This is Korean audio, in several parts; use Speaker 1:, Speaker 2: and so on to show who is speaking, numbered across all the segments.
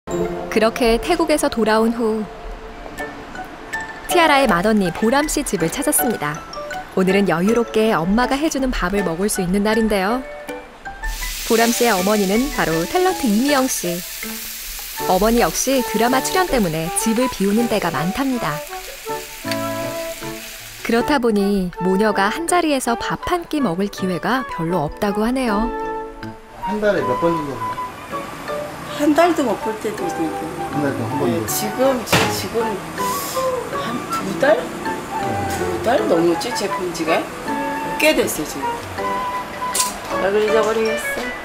Speaker 1: 그렇게 태국에서 돌아온 후 티아라의 맏언니 보람 씨 집을 찾았습니다. 오늘은 여유롭게 엄마가 해주는 밥을 먹을 수 있는 날인데요. 보람 씨의 어머니는 바로 탤런트 이미영 씨. 어머니 역시 드라마 출연 때문에 집을 비우는 때가 많답니다. 그렇다 보니 모녀가 한자리에서 밥 한 끼 먹을 기회가 별로 없다고 하네요.
Speaker 2: 한 달에 몇 번 정도?
Speaker 3: 한 달도 못 볼 때도 있고.
Speaker 2: 한 달도 한 번도?
Speaker 3: 지금 한 2달? 2달 넘었지 제 본지가? 꽤 됐어 지금. 나 잊어버리겠어.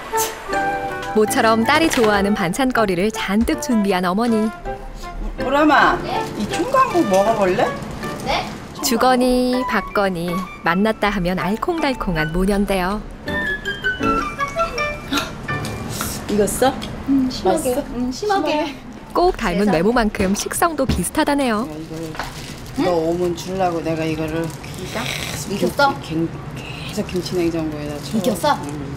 Speaker 1: 모처럼 딸이 좋아하는 반찬거리를 잔뜩 준비한 어머니.
Speaker 3: 보람아, 네? 이 총각국 먹어볼래?
Speaker 4: 네?
Speaker 1: 주거니 받거니 만났다 하면 알콩달콩한 모녀인데요.
Speaker 3: 익었어?
Speaker 4: 심하게.
Speaker 3: 맛있어?
Speaker 4: 심하게.
Speaker 1: 꼭 닮은 외모만큼 식성도 비슷하다네요.
Speaker 3: 너 오면 주려고 내가 이거를
Speaker 4: 익혔어?
Speaker 3: 계속 김치냉장고에다 줘.
Speaker 4: 익혔어?
Speaker 3: 응.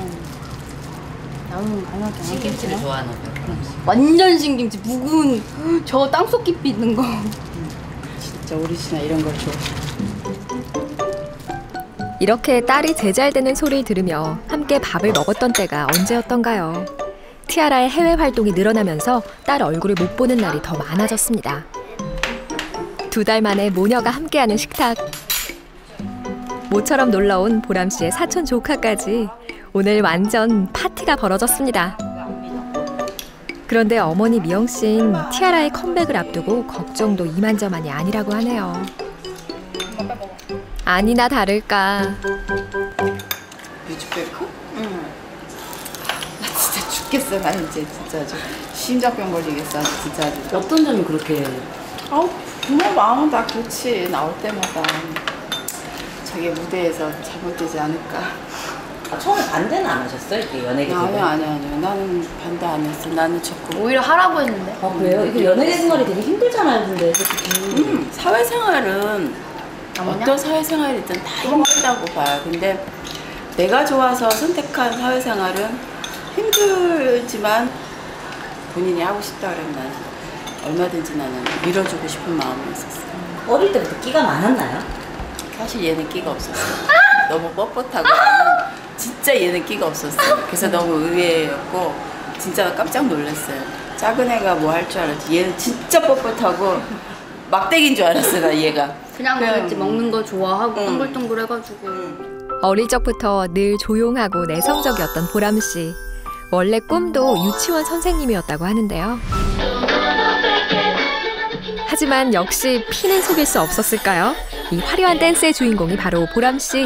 Speaker 4: 나는 강하게
Speaker 5: 신김치를 좋아하는 거야.
Speaker 4: 완전 신김치. 묵은 저 땅속 깊이 있는 거.
Speaker 3: 진짜 오리지널 이런 걸 좋아.
Speaker 1: 이렇게 딸이 제잘되는 소리를 들으며 함께 밥을 먹었던 때가 언제였던가요? 티아라의 해외 활동이 늘어나면서 딸 얼굴을 못 보는 날이 더 많아졌습니다. 2달 만에 모녀가 함께하는 식탁. 모처럼 놀러온 보람 씨의 사촌 조카까지 오늘 완전 파티가 벌어졌습니다. 그런데 어머니 미영 씨는 티아라의 컴백을 앞두고 걱정도 이만저만이 아니라고 하네요. 아니나 다를까.
Speaker 3: 뮤직뱅크? 응. 나 진짜 죽겠어. 나 이제 진짜 아주 심장병 걸리겠어. 아주 진짜 아주.
Speaker 5: 어떤 점이 그렇게?
Speaker 3: 부모 마음은 다 그렇지. 나올 때마다 자기 무대에서 잘못되지 않을까.
Speaker 5: 처음에 반대는 안 하셨어요? 이렇게 연예계 되고?
Speaker 3: 아니요. 나는 반대 안 했어. 나는 자꾸
Speaker 4: 오히려 하라고 했는데.
Speaker 5: 아 그래요? 이게 연예계 생활이 되게 힘들잖아요, 근데 솔직히.
Speaker 3: 사회생활은 어떤 사회생활이든 다 힘들다고 봐요. 근데 내가 좋아서 선택한 사회생활은 힘들지만 본인이 하고 싶다 그러면 나는 얼마든지 나는 밀어주고 싶은 마음이 있었어.
Speaker 5: 어릴 때부터 끼가 많았나요?
Speaker 3: 사실 얘는 끼가 없었어. 너무 뻣뻣하고 나는 진짜 얘는 끼가 없었어. 그래서 너무 의외였고 진짜 깜짝 놀랐어요. 작은 애가 뭐 할 줄 알았지. 얘는 진짜 뻣뻣하고 막대기인 줄 알았어 나 얘가.
Speaker 4: 그냥 그랬지. 먹는 거 좋아하고 동글동글 해가지고.
Speaker 1: 어릴 적부터 늘 조용하고 내성적이었던 보람 씨. 원래 꿈도 유치원 선생님이었다고 하는데요. 하지만 역시 피는 속일 수 없었을까요? 이 화려한 댄스의 주인공이 바로 보람 씨.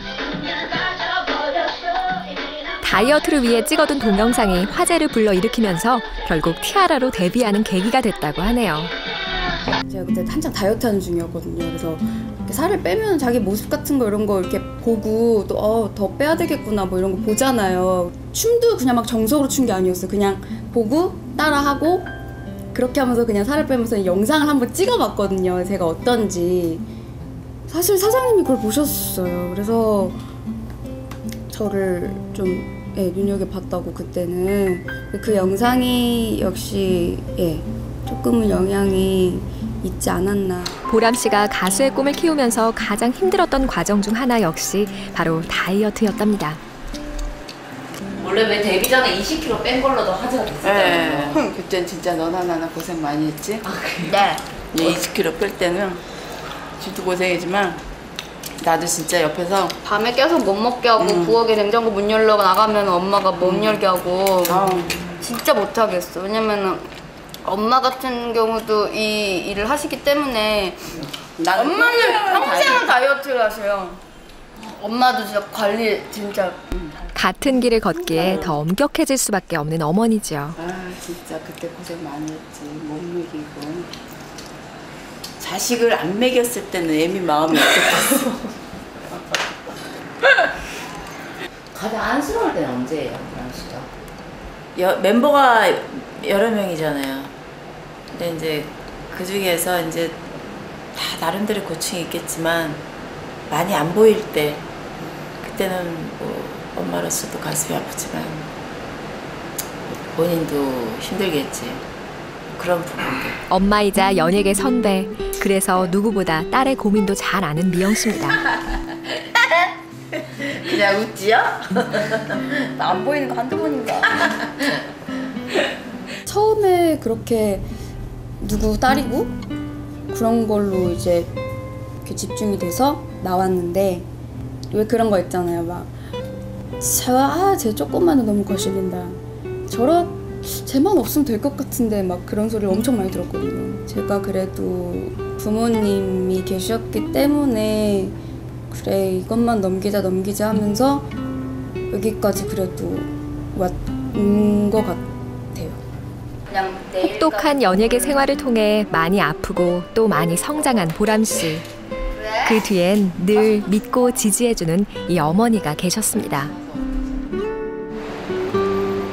Speaker 1: 다이어트를 위해 찍어둔 동영상이 화제를 불러일으키면서 결국 티아라로 데뷔하는 계기가 됐다고 하네요.
Speaker 6: 제가 그때 한창 다이어트 하는 중이었거든요. 그래서 이렇게 살을 빼면 자기 모습 같은 거 이런 거 이렇게 보고 또 더 빼야 되겠구나 뭐 이런 거 보잖아요. 춤도 그냥 막 정석으로 춘 게 아니었어요. 그냥 보고 따라하고 그렇게 하면서 그냥 살을 빼면서 영상을 한번 찍어봤거든요. 제가 어떤지. 사실 사장님이 그걸 보셨어요. 그래서 저를 좀 눈여겨봤다고 그때는. 그 영상이 역시 조금은 영향이 있지 않았나.
Speaker 1: 보람 씨가 가수의 꿈을 키우면서 가장 힘들었던 과정 중 하나 역시 바로 다이어트였답니다.
Speaker 5: 원래 왜 데뷔 전에 20kg 뺀 걸로도 화제가 됐었잖아요.
Speaker 3: 네. 그땐 진짜 너나 나나 고생 많이 했지.
Speaker 5: 아 그래요?
Speaker 4: 네.
Speaker 3: 20kg 뺄 때는 진짜 고생이지만 나도 진짜 옆에서
Speaker 4: 밤에 계속 못 먹게 하고 부엌에 냉장고 문 열러 나가면 엄마가 못 열게 하고 진짜 못 하겠어. 왜냐면은 엄마 같은 경우도 이 일을 하시기 때문에 엄마는 평생을 다이어트를 하세요. 엄마도 진짜 관리 진짜
Speaker 1: 같은 길을 걷기에 더 엄격해질 수밖에 없는 어머니죠.
Speaker 3: 진짜 그때 고생 많이 했지. 못 먹이고 자식을 안 먹였을 때는 애미 마음이 어땠겠어.
Speaker 5: 가장 안쓰러울 때는 언제예요, 보람 씨가?
Speaker 3: 멤버가 여러 명이잖아요. 근데 이제 그 중에서 이제 다 나름대로 고충이 있겠지만 많이 안 보일 때 그때는 뭐 엄마로서도 가슴이 아프지만 본인도 힘들겠지. 그런 부분들.
Speaker 1: 엄마이자 연예계 선배. 그래서 누구보다 딸의 고민도 잘 아는 미영 씨입니다.
Speaker 3: 그냥 웃지요?
Speaker 6: 나 안 보이는 거 한두 번인가. 처음에 그렇게 누구 딸이고 그런 걸로 이제 이렇게 집중이 돼서 나왔는데 왜 그런 거 있잖아요. 막 쟤 조금만은 너무 거슬린다. 쟤만 없으면 될 것 같은데 막 그런 소리를 엄청 많이 들었거든요. 제가 그래도 부모님이 계셨기 때문에 그래 이것만 넘기자 하면서 여기까지 그래도 왔는 것 같아요.
Speaker 1: 혹독한 연예계 생활을 통해 많이 아프고 또 많이 성장한 보람 씨. 그 뒤엔 늘 믿고 지지해주는 이 어머니가 계셨습니다.